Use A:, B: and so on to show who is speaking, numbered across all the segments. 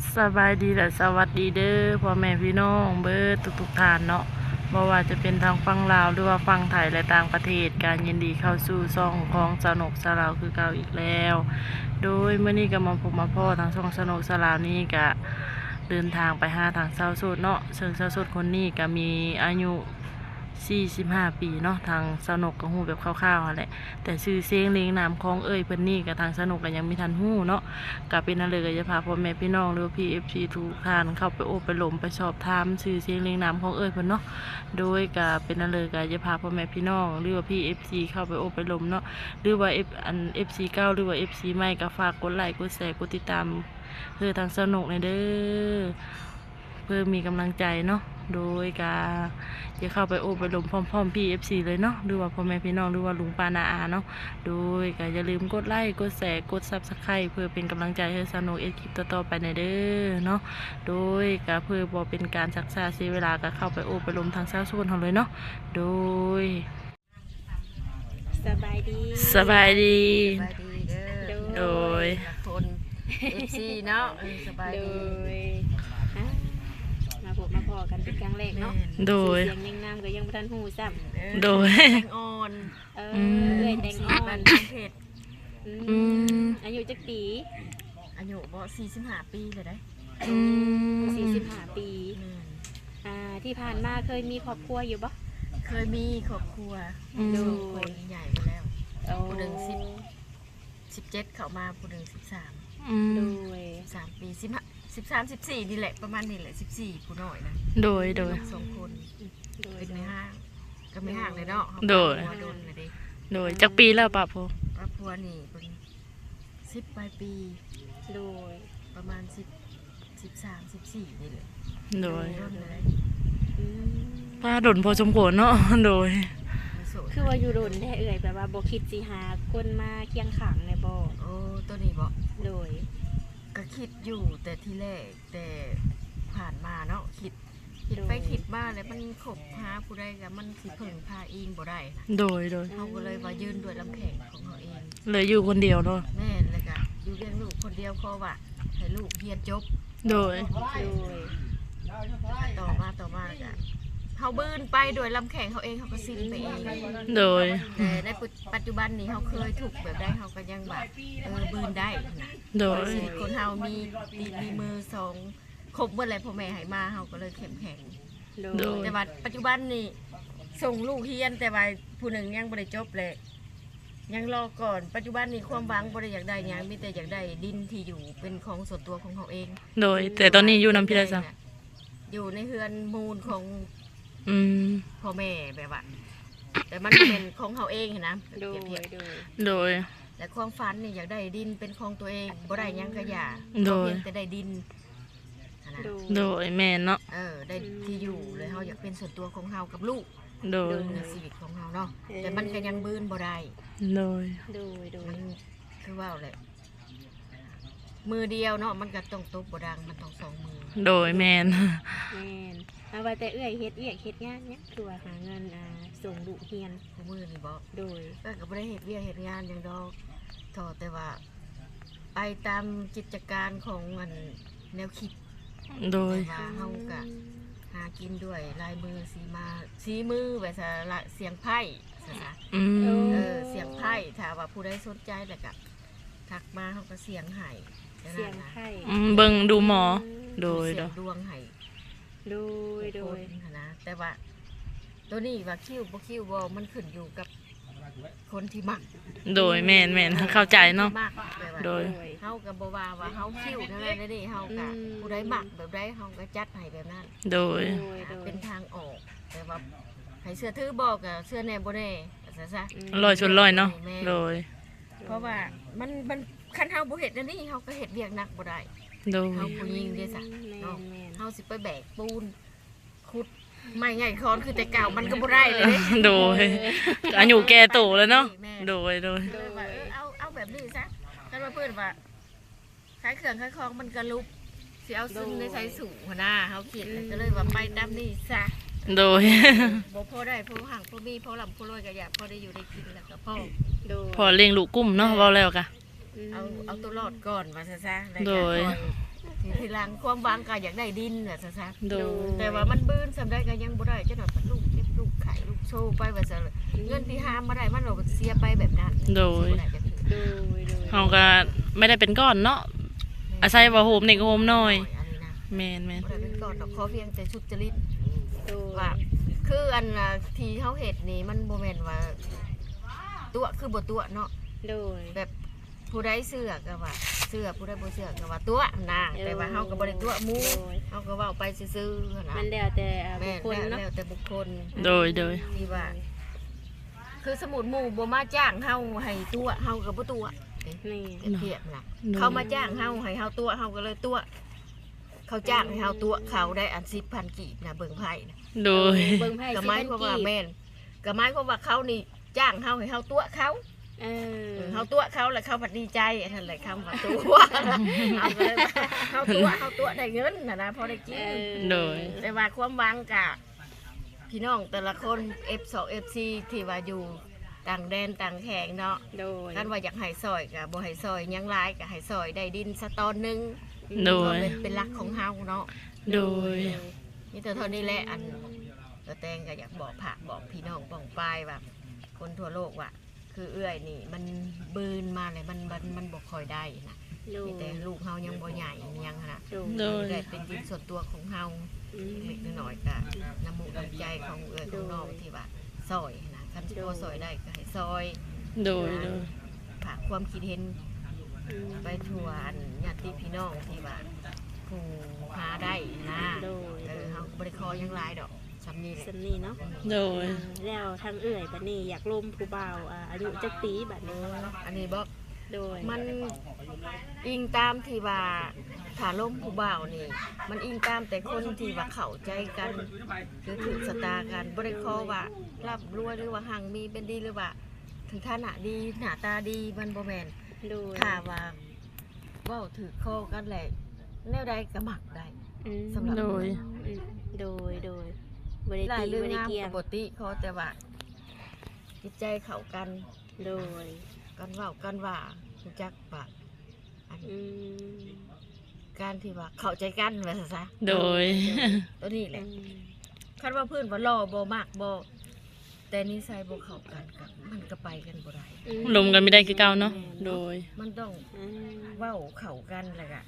A: สบายดีและสวัสดีเด้อพ่อแม่พี่น้องเบิดทุกท่านเนาะบ่ว่าจะเป็นทางฝั่งลาวหรือว่าฝั่งไทยและต่างประเทศการยินดีเข้าสู่ช่องของสนุกสลาวคือเก่าอีกแล้ว โดยเมื่อนี้ก็มาพบมาพ่อทางช่องสนุกสลาวนี้ก็เดินทางไปหาทางสาวโสดเนาะซึ่งสาวโสดคนนี้ก็มีอายุ45 ปีเนาะทางสนุกก็ฮู้แบบคร่าวๆนั่นแหละแต่ชื่อเสียงเรียงนามของเพิ่นนี่กับทางสนุกก็ยังมีทันฮู้เนาะก็เป็นนั่นเลยก็จะพาพ่อแม่พี่น้องหรือพี่ FC ทุกท่านเข้าไปโอบไปหลมไปสอบถามชื่อเสียงเรียงนามของเพิ่นเนาะโดยก็เป็นนั่นเลยก็จะพาพ่อแม่พี่น้องหรือว่าพี่ FC เข้าไปโอบไปหลมเนาะหรือว่า FC เก่าหรือว่า FC ใหม่ก็ฝากกดไลค์กดแชร์กดติดตามเพื่อทางสนุกในเด้อเพื่อมีกำลังใจเนาะโดยการจะเข้าไปโอบไปลมพร้อมๆพี่ FC เลยเนาะหรือว่าพ่อแม่พี่น้องหรือว่าลุงป้านาอาเนาะโดยก็อย่าลืมกดไลค์กดแชร์กด Subscribe เพื่อเป็นกำลังใจให้สนุกคลิปต่อๆไปในเด้อเนาะโดยก็เพื่อบ่เป็นการชักช้าเสียเวลาก็เข้าไปโอบไปลมทางเช้าส่วนของเลยเนาะโดย
B: สบายดี
A: สบายดี
C: สบายดีเด้อ
A: โดย
C: คนFC เนาะสบาย
B: โด
C: ดี
B: ยมาพบมาพอกันเป็นครั้งแรกเนาะ
A: โดย
B: เสียงนิ่งน้ำก็ยังบ่ทันหูซ้ำ
A: โดย
C: แตงอ่อน
B: เอ้ยแตงอ่อ
C: บ้าน นเพชร
B: อายุจักปี
C: อายุบ่45 ปีเลยได้
B: 45 ปีที่ผ่านมาเคยมีครอบครัวอยู่บ่
C: เคยมีครอบครัว
B: โด
C: คน
B: ย
C: ใหญ่ไปแล้วผู้หนึ่ง17เข้ามาผู้หนึ่ง13
B: โดย
C: 3 ปี13 14นี่แหละประมาณนี้แหละ14ผู้น้อยนะ
A: โดย
C: สองคน
B: โดย
C: เป็นไม่ห่างก็ไม่ห่างเลยเนาะ
A: โดย
C: หัวโดนเลยดิ
A: โดยจักปีแล้วป่ะพ่อ
C: ครอบครัวนี่เป็น10 ปลายปี
B: โดย
C: ประมาณ13 14นี่แหละ
A: โดย
C: ร่นเลย
A: ป้าดนพอสมควรเนาะโดย
B: คือว่าอยู่โดนแท้เอ่ยแบบว่าบ่คิดสิหาคนมาเคียงข้างในบ่
C: โอ้ตัวนี้บอก
B: โดย
C: ก็คิดอยู่แต่ที่แรกแต่ผ่านมาเนาะคิดไปคิดมาแล้วมันขบหาผู้ใดกับมันสิเพิ่งพาอิงบ่ได้นะ
A: โดย
C: เขาก็เลยว่ายืนด้วยลำแข็งของเขาเอง
A: เลยอยู่คนเดียวเนาะ
C: แม่นเลยก็อยู่เลี้ยงลูกคนเดียวเพราะว่าให้ลูกเรียนจบ
A: โดย
B: โดย
C: ต่อมาก็เขาบืนไปด้วยลำแข็งเขาเองเขาก็สิ้นไปเอง
A: โดย
C: แต่ในปัจจุบันนี้เขาเคยถูกแบบได้เขาก็ยังแบบบืนได้นะ
A: โดย
C: ชีวิตคนเฮามีตีนมีมือสองครบเมื่อไรพ่อแม่ให้มาเฮาก็เลยเข้มแข็ง
B: โดย
C: แต่ว่าปัจจุบันนี่ส่งลูกเรียนแต่ว่าผู้หนึ่งยังบ่ได้จบเลยยังรอก่อนปัจจุบันนี้ความหวังบ่ได้อยากได้หยังมีแต่อยากได้ดินที่อยู่เป็นของส่วนตัวของเขาเอง
A: โดย แต่ตอนนี้อยู่น้ำพิราซะ
C: อยู่ในเฮือนมูลของ พ่อแม่แบบว่าแต่มันเป็นของเขาเองเห็นนะ
B: โดย
C: เปรียบเทียบ
B: โดย
A: โดย
C: แต่ความฝันนี่อยากได้ดินเป็นของตัวเองบ่ได้หยังก็อย่า
A: โดย
C: เพียงแต่ได้ดินนะ
A: โดยแม่นเนาะ
C: ได้ที่อยู่เลยเฮาอยากเป็นส่วนตัวของเฮากับลูก
A: โดย
C: ในชีวิตของเฮาเนาะแต่มันก็ยังบืนบ่ได้
A: โดย
B: โดย โดย
C: มันคือว่าแหละมือเดียวเนาะมันก็ต้องตบบ่ดังมันต้องสองมือ
A: โดยแม่น
B: แม่นเอาว่าแต่เอื้อยเฮ็ดเฮ็ดงานเนี่ยคือว่าหาเงินส่งลูกเรียน
C: คู่มือนี่บ่
B: โดย
C: ก็บ่ได้เฮ็ดเวียกเฮ็ดงานหยังดอกทอแต่ว่าไปตามกิจการของอันแนวคิด
A: โดย
C: ว่าเฮาก็หากินด้วยลายมือสีมือแบบเสียงไพ่ซะ เสียงไพ่ถ้าว่าผู้ใดสนใจแล้วก็ทักมาเขาก็เสียงให้
B: เสียงไข่
A: เบิ่งดูหมอ โดย
C: เสียงดวงให้
B: โดย โดย
C: คนนะแต่ว่าตัวนี้ว่าคิวบ่มันขึ้นอยู่กับคนที่มัก
A: โดยแม่นเข้าใจเนาะ
C: มักแบบว่า
A: โดย
C: เฮาก็บ่ว่าเฮาคิวนั่นแหละนี่เฮาก็ผู้ใดมักแบบใดเฮาก็จัดให้แบบนั้น
A: โดย
C: เป็นทางออกแต่ว่าให้เสื้อถือบอกกับเสื้อแน่บ่แน่ซะ
A: ลอยชนลอยเนาะ โดย
C: เพราะว่ามันคันเฮาบ่เฮ็ดอันนี้เฮาก็เฮ็ดเวียกหนักบ่ได้
A: โดย
C: เฮาผู้หญิงเด้ซะ
B: แม่
C: เนาะ
B: นแม่น
C: เฮาสิไปแบกปูนขุดไม่ไงคอนคือแต่เก่ามันก็บ่ได้เลยเด้
A: โดยอายุแก่โตแล้วเนาะ โดย
C: ก็เลยว่าเอาแบบนี้ซะคันว่าเพิ่นว่าขายเครื่องขายของมันก็ลุกสิเอาซึ่งในใส่สูงหัวหน้าเฮาคิดเลยก็เลยว่าไปตามนี้ซะ
A: โดย
C: บ่พอได้พอห่างพอมีพอลำพอรวยก็อยากพอได้อยู่ได้กินแล้วก็พอ
B: โดย
A: พอเลี้ยงลูกกุ้มเนาะเว้าแล้วกะ
C: เอาตัวรอดก่อนว่าซะแล้ว
A: โด
C: ก็
A: ย
C: คอยทีหลังความหวังก็อยากได้ดินว่าซะ
A: โดย
C: แต่ว่ามันบื้นสำได้ก็ยังบ่ได้จังหน่อยลูกเก็บลูกไข่ลูกโชว์ไปว่าซะเงินที่หามาได้มันเราเสียไปแบบนั้น
A: โดย
C: สิบ่ได้จักเทื่อ
B: โดยโดย
A: เฮาก็ไม่ได้เป็นก้อนเนาะอาศัยว่าโฮมนี่ก็โฮมน้อย
C: อันนี้นะ
A: แม่น
C: บ่ได้เป็นก่อนดอกขอเพียงแต่สุจริต
B: โดย
C: ว่าคืออันน่ะที่เฮาเฮ็ดนี่มันบ่แม่นว่าตัวคือบ่ตัวเนาะ
B: โดย
C: แบบผู้ใดเชื่อก็ว่าเชื่อผู้ใดบ่เชื่อก็ว่าตัวนะแต่ว่าเฮาก็บ่ได้ตัวหมู่
B: โดย
C: เฮาก็เว้าไปซื่อๆนะ
B: มันแล้วแต่บุ
C: แม่
B: คคลเนาะ
C: แล้วแต่บุคคล
A: โดย
C: ที่ว่า คือสมุดหมู่บ่มาจ้างเฮาให้ตัวเฮาก็บ่ตัว
B: นี่
C: เทียบนะ
A: โดย
C: เขามาจ้างเฮาให้เฮาตัวเฮาก็เลยตัว เขาจ้างให้เฮาตัวเขาได้อัน10,000กีบนะเบิ่งไพ่นะ
A: โดย
B: เบิ่งไพ่
C: ก็
B: สิ
C: หมาย
B: เป็น
C: ความ
B: กี่
C: ว่าแม่นก็หมายความว่าเขานี่จ้างเฮาให้เฮาตัวเขา
B: เออ
C: เฮาตัวเขาแล้วเขาผัดดีใจอันนั้นแหละคำว่าตัวเอาก็เลยว่าเฮาตัวได้เงินนะพอได้กิน
A: โดย
C: แต่ว่าความหวังกะพี่น้องแต่ละคน F2 FC ที่ว่าอยู่ต่างแดนต่างแข่งเนาะ
B: โดย
C: กันว่าอยากให้ซอยกะบ่ให้ซอยหยังหลายกะให้ซอยได้ดินสะตอนหนึง
A: โดย
C: เป็นหลักของเฮาเนาะ
A: โดย
C: นี่แต่เท่านี้แหละอันตัวแตงก็อยากบอกผักบอกพี่น้องป้องปายว่าคนทั่วโลกว่าคือเอื้อยนี่มันบืนมาเลยมันบ่ค่อยได้นะ
B: โดย
C: มีแต่ลูกเฮายังบ่ใหญ่ยังนะ
B: โดย
A: โดย
C: ได้เป็นดินส่วนตัวของเฮา
B: อืม
C: เล็กน้อยๆก็น้ำมูกน้ำใจของเอื้อยของน้องที่ว่าซอยนะคันสิพอซอยได้ก็ให้ซอย
A: โดย
C: ฝากความคิดเห็น
B: อืม
C: ไปทั่วอันญาติพี่น้องที่ว่าผู้หาได้นะ
B: โดย
C: เฮาบ่ได้ขอหยังหลายดอกสำนี้แหละ
B: สำนีเนาะ
A: โดย
B: แล้วทางเอื่อยบัดนี้อยากลมผู้บ่าวอายุจักปีบัดนี้
C: อันนี้บอก
B: โดย
C: มันอิงตามที่ว่าถ้าล้มผู้บ่าวนี่ มันอิงตามแต่คนที่ว่าเข้าใจกันคือถือสตากันบ่ได้ขอว่ารับรวยหรือว่าหังมีเป็นดีหรือว่าถึงฐานะดีหน้าตาดีมันบ่แม่น
B: โดย
C: ถ้าว่าเว้าถือคอกันแหละแนวใดก็มักได้
B: อืม
C: สำหรับ
A: โดย
B: อืมโดยบ่ได้
C: หลาย
B: ตี
C: เรื่อง
B: บ่ได้
C: งาม
B: เกี่ย
C: ป
B: ง
C: กติเขาแต่ว่าจิตใจเข้ากัน
B: โดย
C: กันเว้ากันว่ารู้จักว่าอัน
B: อืม
C: การที่ว่าเข้าใจกันว่าซะ
A: โดย
C: ตัวนี้แห
B: อื
C: ละ
B: ม
C: คันว่าเพื่อนว่ารอบ่มากบ่แต่นิสัยบ่เข้ากันกับมันก็ไปกันบ่ได้
B: อื
A: ลมกันไม่ได้คือเก่าเนาะ โดย
C: มันต้อง
B: อืม
C: เว้าเข้ากันแล้วก็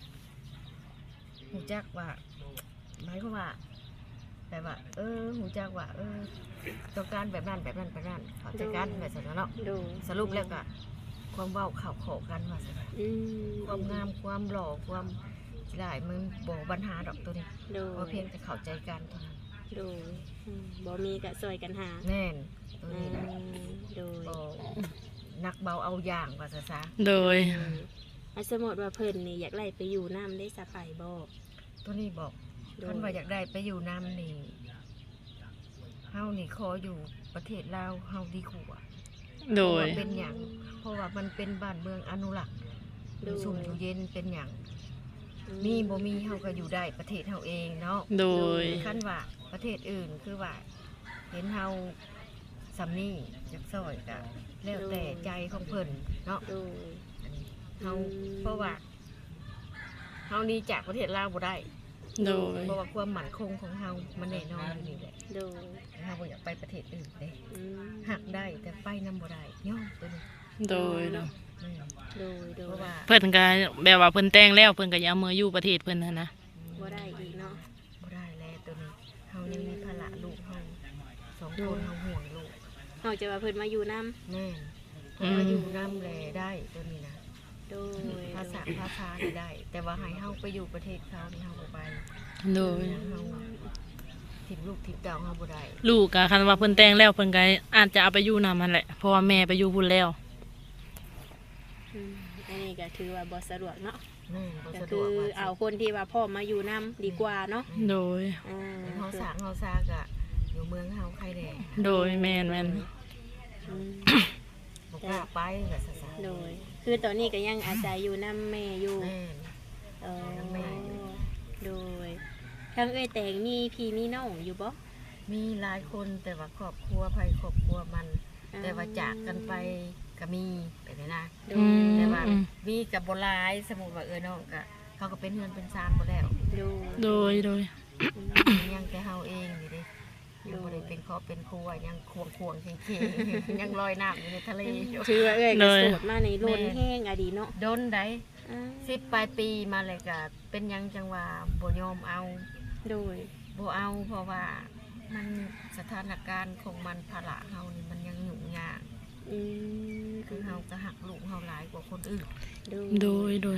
C: รู้จักว่าหมายความว่าแต่ว่า รู้จักว่า ต้องการแบบนั้นแบบนั้นแบบนั้นเข้าใจกันแบบนั้นเนาะ
B: โดย
C: สรุปแล้วก็ความเว้าเข้ากันว่าซั่นน่ะ
B: อืม
C: ความงามความหล่อความหลายมันบ่ปัญหาดอกตัวนี้
B: โดย
C: เพราะเพียงแต่เข้าใจกันเท่านั้น
B: โดยอืมบ่มีก็ช่วยกันหา
C: แน่นตัว
B: อื
C: นี้นะ
B: มโดย
C: บ่นักเบาเอาอย่างว่าซะ
A: โดย
B: สมมติว่าเพิ่นนี่อยากไล่ไปอยู่น้ำได้สะไปบ่
C: ตัวนี้บอก
B: โดย
C: ท่านว่าอยากได้ไปอยู่น้ำนี่เฮานี่ขออยู่ประเทศลาวเฮาดีกว่า
A: โด
C: เพราะ
A: ย
C: ว่าเป็นอย่างเพราะว่ามันเป็นบ้านเมืองอนุรักษ์อยู่ชุ่มอยู่เย็นเป็นอย่างมีบ่มีเฮาก็อยู่ได้ประเทศเฮาเองเนาะ
A: โดย
C: คันว่าประเทศอื่นคือว่า เห็นเฮาสำนี่อยากซอยก็แล้วแต่ใจของเพิ่นเนาะ
B: โดย
C: เฮาเพราะว่าเฮานี่จากประเทศลาวบ่ได้
A: โดย
C: เพราะว่าความมั่นคงของเฮามันแน่นอนอยู่นี่แหละ
B: โดย
C: เฮาบ่อยากไปประเทศอื่นเด้
B: อืม
C: หักได้แต่ไปนำบ่ได้ย่อมตัวนี้
A: โดยเนาะ
C: อืม
B: โดยโด
C: เพราะ
B: ย
C: ว่า
A: เพิ่นก็แบบว่าเพิ่นแต่งแล้วเพิ่นก็อย่าเอามืออยู่ประเทศเพิ่นนะนะ
B: บ่ได้อีกเนาะ
C: บ่ได้แล้วตัวนี้เฮายังมีภาระลูกเฮาสองคนเฮาห่วงลูก
B: นอกจากว่าเพิ่นมาอยู่น้
C: แม่นเพราะว่าอยู่นำแลได้ตัวนี้นะ
B: ำโดย
C: ภาษานี่ได้ แต่ว่าให้เฮาไปอยู่ประเทศเขานี่เฮาบ่ไป
A: โดย
C: เฮาทิ่มลูกทิ่มเต้าเฮาบ่ได้
A: ลูกก็คันว่าเพิ่นแต่งแล้วเพิ่นก็อาจจะเอาไปอยู่นำมันแหละ เพราะว่าแม่ไปอยู่พุ่นแล้ว
B: อืมอันนี้ก็ถือว่าบ่สะดวกเนาะ
C: แม่นบ่
B: ก็
C: สะด
B: คื
C: ว
B: อก
C: ว่า
B: เอาคนที่ว่าพ่อมาอยู่น้ำดีกว่าเนาะ
A: โดย
B: อ่า
C: เฮาสร้างเฮาซากะอยู่เมืองเฮาใครแน่
A: โดยแม่นแม่น
B: อืม
C: บ่กล้าไปก็ซะ
B: โดย คือตอนนี้ก็ยังอาศัยอยู่น้ำแม่อยู่
C: แม่น
B: เออ
C: น้ำแม่อยู่
B: โดยทางเอ้ยแต่งมีพี่มีน้องอยู่บ่
C: มีหลายคนแต่ว่าครอบครัวไผครอบครัวมัน แต่ว่าจากกันไปก็มีไปเลยนะ
B: โด
A: อื
B: ย
A: ม
C: แต่ว่ามีกับโบหลายสมมุติว่าน้องก็คเขาก็เป็นเฮือนเป็นซานหมดแล้ว
B: โดย
A: โดย
C: ยังแต่เฮาเองนี่เด้ยังบ่ได้เป็นครอบเป็นครัวยังควงๆเข่ๆ ยังลอยน้ำอยู่ในทะเลอยู่
B: ถือว่าเอ้ยก็โสดมาในโลนแห้งอะดีเนาะ
C: โดนได้
B: อ่า
C: 10ปลายปีมาเลยก็เป็นหยังจังว่าบ่ยอมเอา
B: โดย
C: บ่เอาเพราะว่ามันสถานการณ์ของมันภาระเฮานี่มันยังยุ่งยาก
B: อืม
C: คือเฮาก็หักลูกเฮาหลายกว่าคนอื่น
B: โดย
A: โดย
B: โดย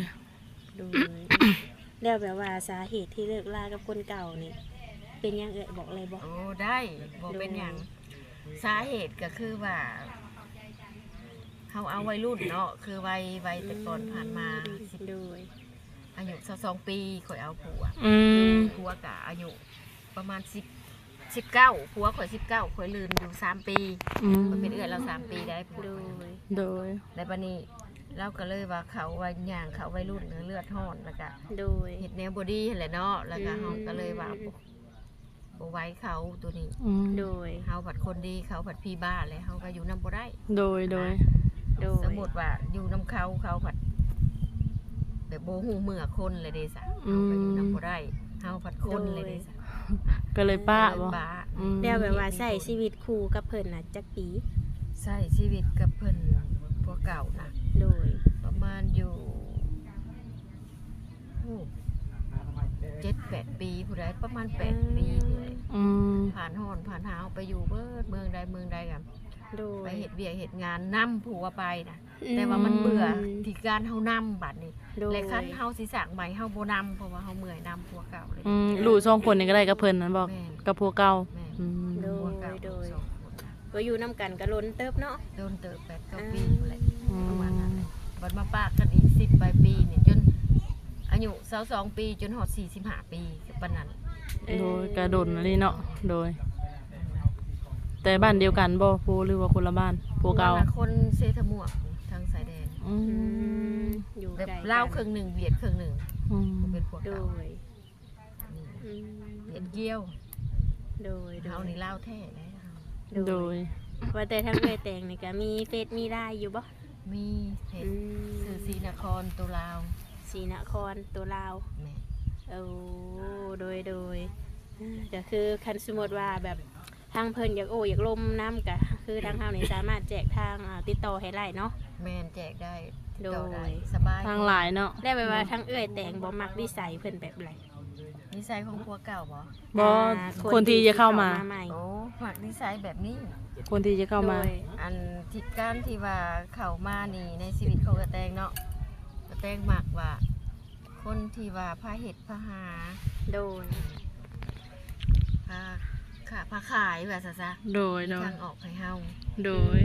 B: แล้วแบบว่าสาเหตุที่เลิกลากับคนเก่านี่เป็นหยังเอ่ยบอกเลยบอก
C: โอ้ได้บ่เป็นหยังสาเหตุก็คือว่าเฮาเอาวัยรุ่นเนาะคือวัยแต่ก่อนผ่านมา10
B: โดย
C: อายุ22ปีข่อยเอาผัว
A: อืม
C: ผัวกะอายุประมาณ19ผัวข่อย19ข่อยลืมอยู่3ปี
A: อืม
C: ข่อยเป็นเอื้อยเรา3ปีได้ผัว
B: โดย
A: โดย
C: ในบัดนี้เราก็เลยว่าเขาวัยย่างเขาวัยรุ่นเลือดร้อนแล้วก็
B: โดย
C: เฮ็ดแนวบอดี้หั่นแหละเนาะแล้วก็เฮาก็เลยว่าบ่ไหว้เขาตัวนี้
A: อืม
B: โดย
C: เฮาผัดคนดีเขาผัดพี่บ้าเลยเฮาก็อยู่นำบ่ได้
A: โดย โดย
B: โดย
C: สมมุติว่าอยู่นำเขาผัดแบบบ่ฮู้เมื่อคนเลยเด้ซะเฮาก็อยู่นำบ่ได้เฮาผัดคนเลยเด้ซะ
A: ก็เลยป้าบ่
C: ป้า
A: อืม
B: แล้วแบบว่าใช้ชีวิตคู่กับเพิ่นน่ะจักปี
C: ใช้ชีวิตกับเพิ่นพวกเก่านะ
B: โดย
C: ประมาณอยู่7-8 ปีผู้ใดประมาณ8 ปีนี่แหละ
A: อืม
C: ผ่านฮ้อนผ่านหนาวไปอยู่เบิดเมืองใดกัน
B: โดย
C: ไปเฮ็ดเวียกเฮ็ดงานนํผัวไปนะแต่ว่ามันเบื่อที่การเฮานํบัดนี้
B: โดย
C: และคันเฮาสิสร้างใหม่เฮาบ่นํเพราะว่าเฮาเมื่อยนํผัวเก่าเลย
A: อืมลูกสองคนนี่ก็ได้กับเพิ่นนั้นบอก
C: แม่น
A: กับผัวเก่า
C: แม่น
A: อืม
B: โด
C: ผัวย เก่า
B: โดย
C: สองคนน่ะ
B: ก็อยู่นํกันก็ล้นเติบเนาะ
C: โดนเติบ8-9 ปีนั่นแหละ
A: อืม
C: ประมาณนั้นแหละบัดมาปากกันอีก10ปลายปีเนี่ยจนอายุ22ปีจนฮอด45ปีปานนั้น
A: โดยกระโดดนี่เนาะโดย แต่บ้านเดียวกันบ่ผู้หรือว่าคนละบ้านผัวเก่า
C: คนเซทะมวกทางสายแดน
A: อื
B: อื
A: ม
B: มอยู่
C: แบบ
B: ไกลกัน
C: ลาวครึ่งหนึ่งเวียดครึ่งหนึ่ง
A: อืม
C: เป็นพวก
B: โด
C: เก่าย นี่
B: อืม
C: เวียดเกี้ยว
B: โดย
C: เฮานี่ลาวแท้เลยเฮา
A: โดย
B: ว่าแต่ทั้งเอ้ยแต่งนี่ก็มีเฟซมีไลน์อยู่บ่
C: มีเพช
B: อื
C: ร
B: ม
C: สื่อศรีนครตัวลาว
B: ศรีนครตัวลาว
C: แม่
B: โอ้โดยก็คือคันสมมติว่าแบบทางเพิ่นอยากอยากลมน้ำก็คือทางเฮานี่สามารถแจกทางติดต่อให้ไล่เนาะ
C: แม่นแจกได้ติดต่อได้
B: โดย
C: สบาย
A: ทางหลายเนาะ
B: ได้ไปว่าทั้งเอ้ยแต่งบ่มักวิสัยเพิ่นแบบไร
C: นิสัยของพวกเก่าบ่
A: บ่ คนที่จะเข้ามา
B: ใหม่
C: โอ้ฝากนิสัยแบบนี้
A: คนที่จะเข้ามา
B: โดย
C: อันที่การที่ว่าเข้ามานี่ในชีวิตของกระแตงเนาะกระแตงมักว่า คนที่ว่าพาเฮ็ดพาหา
B: โดย
C: พาขายแบบซะ
A: โดย โดย
C: ทางออกให้เฮา
A: โดย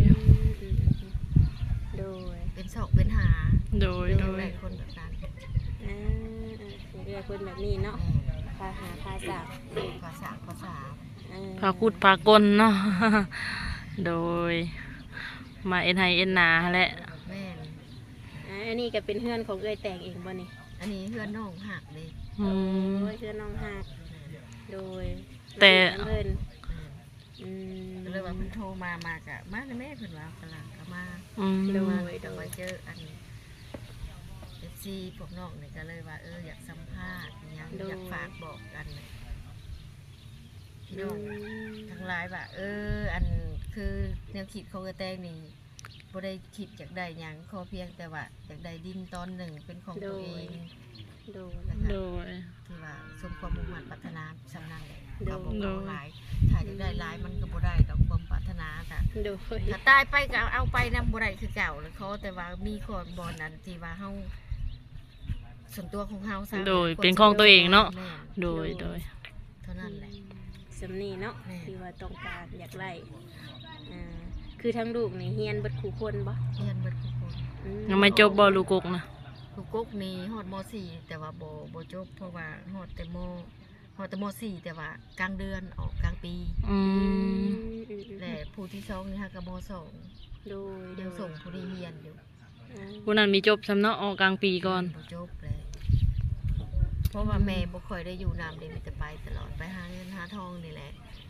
B: โดย
C: เป็นศอกเป็นหา
A: โดย โดย
C: หลายคนแบบนั้น
B: เอื้อคนแบบนี้เนาะพาหาพาสาว
C: ภาษา
A: พาคุดพากลเนาะ โดย มาเอ็นไฮเอ็นนาแหละ
C: แม่น
B: อันนี้ก็เป็นเพื่อนของเอ้ยแต่งเองบ่นี่
C: อันนี้เพื่อนน้องหักเลย
A: อืม
B: โดยเพื่อนน้องหักโดย
A: แต่
B: เพิ่นอืม
C: ก็เลยว่าเพิ่นโทรมากะมาแม่เพิ่นว่ากำลังก็มา
A: อืม
B: โด
C: มาย แต่ว่าเจออันFC พวกน้องนี่ก็เลยว่าอยากสัมภาษณ์อิหยังอยากฝากบอกกันน่ะพี่น้องทั้งหลายว่าอันคือแนวคิดของกระแตงนี่บ่ได้คิดอยากได้หยังขอเพียงแต่ว่าอยากได้ดินตอนหนึ่งเป็นของตัวเอง
B: โดย
A: โดย
C: ที่ว่าสมความมุ่งมั่นปรารถนาสำนักเลย
B: โดย
C: เราบอกเอาหลายถ้าอยากได้หลายมันก็บ่ได้ดอกความปรารถนาค่ะ
B: โดย
C: ถ้าตายไปก็เอาไปนำบ่ได้คือเก่าเลยเขาแต่ว่ามีคนบ่นั้นที่ว่าเฮาส่วนตัวของเฮาซะ
A: โดยเป็นของตัวเองเนาะ
C: แม่
A: โดย โดย
C: เท่านั้นแหละ
B: สำนีเนาะ
C: แม่
B: ที่ว่าต้องการอยากไล่คือทั้งลูกนี่เฮียนเบิดคู่คนบ่
C: เรียนเบิดทุกคน
A: ยังไม่จบบ่ลูกกกนะ
C: ลูกกกนี่ฮอดม .4 แต่ว่าบ่จบเพราะว่าฮอดแต่ม .4 แต่ว่ากลางเดือนออกกลางปี
A: อืม
C: และผู้ที่สองนี่ฮะก็ม
B: โดย
C: .2 ยังส่งผู้ที่เรียนอยู่
A: ผู้นั้นมีจบสำเนาะออกกลางปีก่อน
C: บ่จบเลย เพราะว่าแม่บ่ค่อยได้อยู่นำเลยมีแต่ไปตลอดไปหาเงินหาทองนี่แหละ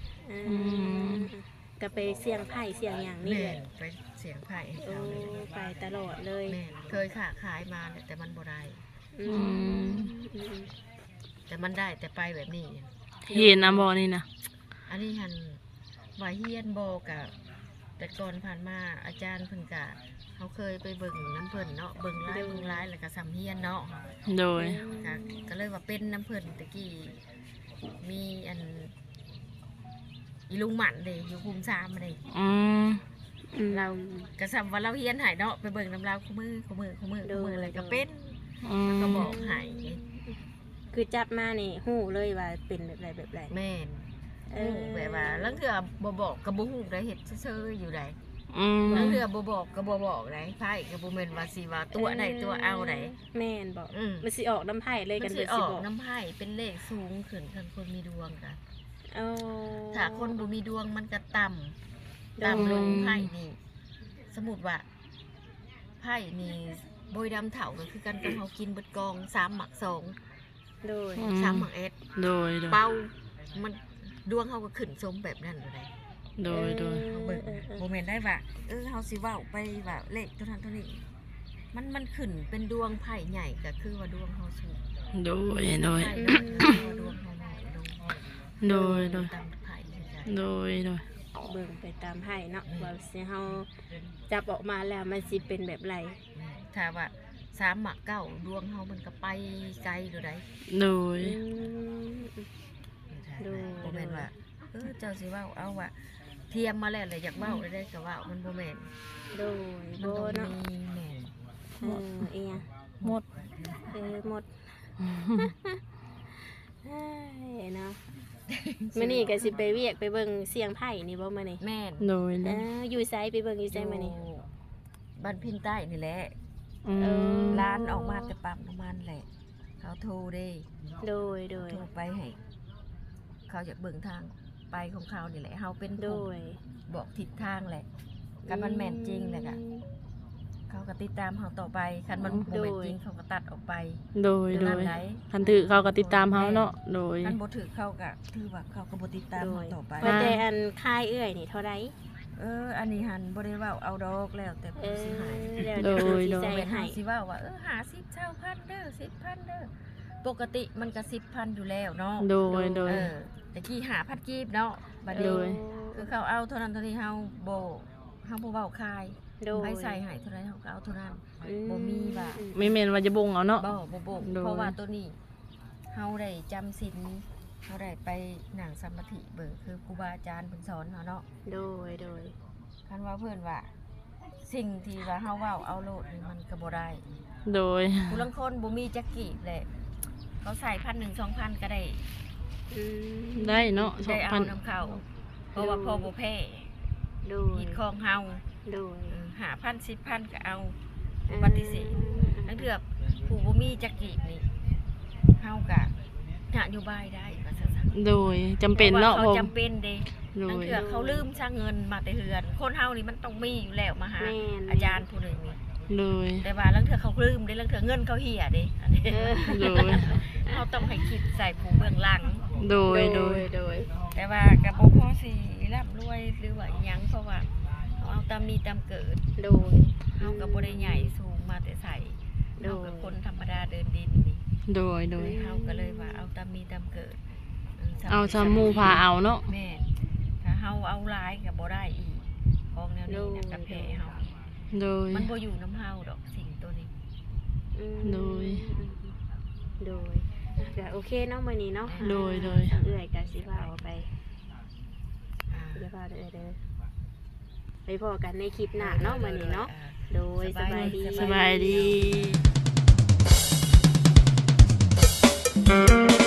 B: ก็ไปเสี่ยงไผ่เสี่ยงอย่างนี่
C: แม่
B: แหละ
C: ไปเสียงไผ่ให้
B: โอ้
C: เขาเลย
B: ไปตลอดเลย
C: แม่เคยค้าขายมาแต่มันบ่ได้
B: ออื
A: อืม
C: แต่มันได้แต่ไปแบบนี้
A: เห็นนะบ่นี่นะ
C: อันนี้หันว่าเฮียนบ่กะแต่ก่อนผ่านมาอาจารย์เพิ่นกะเขาเคยไปเบิ่งน้ำเพิ่นเนาะเบิ่งร้ายแล้วก็สำเฮียนเนาะ
A: โดย
C: ก็เลยว่าเป็นน้ำเพิ่นตะกี้มีอันอีลุงหมันเด้อยู่ภูมิซามมาเด้
A: อืม
C: เรากระซำว่าเราเฮียนใหายเนาะไปเบิ่งน้ำเราคู่มืออะไรก็เป็น
A: อืม
C: ก็บอกใหาย
B: คือจับมานี่ฮู้เลยว่าเป็นแบบไร
C: แม่นแบบว่าลังเถื่อบ่บอกก็บ่ฮู้ได้เฮ็ดซื่อๆอยู่ได้
A: อืม
C: ลังเถื่อบ่บอกก็บ่บอกได้ไผก็บ่แม่นว่าสิว่าตัวใดตัวเอาได้
B: แม่นบอก
C: อืม
B: มันสิออกน้ำไผ่เลย
C: มั
B: กัน
C: น
B: เพิ่
C: สิ
B: น
C: อ
B: สิ
C: อก
B: บอก
C: น้ำไผ่เป็นเลขสูงขึ้นคันคนมีดวงกัน
B: เอา
C: ถ้าคนบ่มีดวงมันก็ต่ำ
B: โดย
C: ต่ำลงไพ่นี่ สมมุติว่าไพ่นี่โบยดำเถาก็คือกันกับเฮากินเบิดกอง3หมัก2
B: โดย
C: 3หมักเอส
A: โดยโดย
C: เป้ามันดวงเฮาก็ขึ้นสมแบบนั้นเลย
A: โดยโดย
C: เฮาเบิ่งบ่แม่นได้ว่าเฮาสิเว้าไปว่าเลขเท่านั้นเท่านี้มันขึ้นเป็นดวงไพ่ใหญ่ก็คือว่าดวงเฮาสูง
A: โดยโดย
C: ไพ่น้อยก็คือว่าดวงเฮาน้อยลง
A: โดยโดย
C: ตามไพ่คือกัน
A: โดยโดย
B: เบิ่งไปตามไผ่เนาะว่าสิเฮาจับออกมาแล้วมันสิเป็นแบบไร
C: ถ้าว่า3หมัก9ดวงเฮามันก็ไปไกลอยู่ได้
A: โดย
B: โดย
C: บ่แม่นว่าเจ้าสิเว้าเอาว่าเทียมมาแล้วเลยอยากเว้าได้ก็เว้ามันบ่แม่น
B: โดย
C: มั
B: โบ
C: นต้อง
B: เนาะ
C: มีแม่น
B: เอีย
A: หมด
B: หมดเนาะมื้อนี้ก็สิไปเวียกไปเบิ่งเสียงไผ่นี่บ่มื้อนี้
C: แม่น
A: โดยโดย
B: อยู่ไสไปเบิ่งอยู่ไสมื้อนี้
C: บ้านพินใต้นี่แหละ
A: อืม
C: ร้านออกมาแต่ปั๊มน้ำมันแหละ เขาโทรเด้
B: โดยโดย
C: โทรไปให้เขาอยากเบิ่งทางไปของเขานี่แหละเฮาเป็น
B: โด
C: ผู้
B: ย
C: บอกทิศทางแหละคันมันแม่นจริงแหละก็เขาก็ติดตามเฮาต่อไปคันมันบ่แม่นจริงเขาก็ตัดออกไป
A: โดยโด
C: นั่น
A: ย
C: ไหน
A: คันถือเขาก็ติดตามเขาเนาะโดย
C: คันบ่ถือเขาก็ถือว่าเขาก็บ่ติดตาม
B: โด
C: เฮาย ต่อไป
B: ว่าแต่อันค่ายเอื้อยนี่เท่าไร
C: อันนี้หันบ่ได้เว้าเอาดอกแล้วแต่ผู้สิหาย
B: เดี๋ยวสิใจ
C: เป็น
B: ให้
C: หาสิเว้าว่าหา10เช่าพันเด้อ10,000เด้อปกติมันก็10,000อยู่แล้วเนาะ
A: โดยโดย
C: แต่กี้หาพัดกีบเนาะบัด
A: โด
C: นี้
A: ย
C: คือเขาเอาเท่านั้นเท่านี้เฮาบ่เว้าคาย
B: โดย
C: ให้ใส่ให้เท่านั้นเฮาก็เอาเท่านั้น บ่มีว่า
A: ไม่เมนว่าจะบงเอาเนาะ
C: บ่บ่
A: โดย
C: เพราะว่าตัวนี้เฮาได้จำศีลเฮาได้ไปนั่งสมาธิเบิ่งคือครูบาอาจารย์เพิ่นสอนเฮาเนาะ
B: โดยโดย
C: คันว่าเพิ่นว่า สิ่งที่ว่าเฮาเว้าเอาโลดนี่มันก็บ่ได้
A: โดย
C: ผู้ลางคนบ่มีจักกีบแหละเขาใส่1,000 2,000ก็ได้
A: ได้เนาะ
C: ได้เอา
A: 2,000
C: น้ำเขาเพราะว่าพอบ่แพ้
B: โดย
C: หิดของเฮา
B: โดย
C: 5,000 10,000ก็เอาปฏิเสธทั้งเถื่อผู้บ่มีจักกีบนี่เฮาก็นโยบายได้ว่าซั่น
A: โดยจำเป็นเนาะ
C: เขา
A: ผม
C: จำเป็นเด้
A: โด
C: ทั้ง
A: ย
C: เถื่อเขาลืมซะเงินมาแต่เฮือน คนเฮานี่มันต้องมีอยู่แล้วมาหา
B: แม่น
C: อาจารย์ผู้หนึงนี่
A: โดย
C: แต่ว่าลังเถื่อเขาลืมเด้ลังเถื่อเงินเขาเหี่ยเด้อันนี้
A: โดย
C: เขาต้องให้คิดใส่ผู้เบื้องหลัง
A: โดยโดย
B: โดย
C: แต่ว่ากับบ่พอสิร่ำรวยหรือว่าอิหยังเพราะว่าเขาเอาตามมีตามเกิด
B: โดย
C: เฮาก็บ่ได้ใหญ่สูงมาแต่ใส่
B: โดย
C: เฮาก็คนธรรมดาเดินดินนี่
A: โดยโดย
C: เฮาก็เลยว่าเอาตามมีตามเกิด
A: เอาซามูพาเอาเนาะ
C: แม่นถ้าเฮาเอาหลายก็บ่ได้อีกของแนวนี้น่ะก็แพ้เฮา
A: โดย
C: มันบ่อยู่น้ำเฮาดอกสิ่งตัวนี้
A: โดย
B: โดยก็โอเคเนาะมื้อนี้เนาะ
A: โดยโดย
B: เอื้อยก็สิพาเอาไป
C: อ่า
B: เดี๋ยวพาเด้อไปพอกันในคลิปหน้าเนาะมื้อนี้เนาะโดยสบายดี
A: สบายดี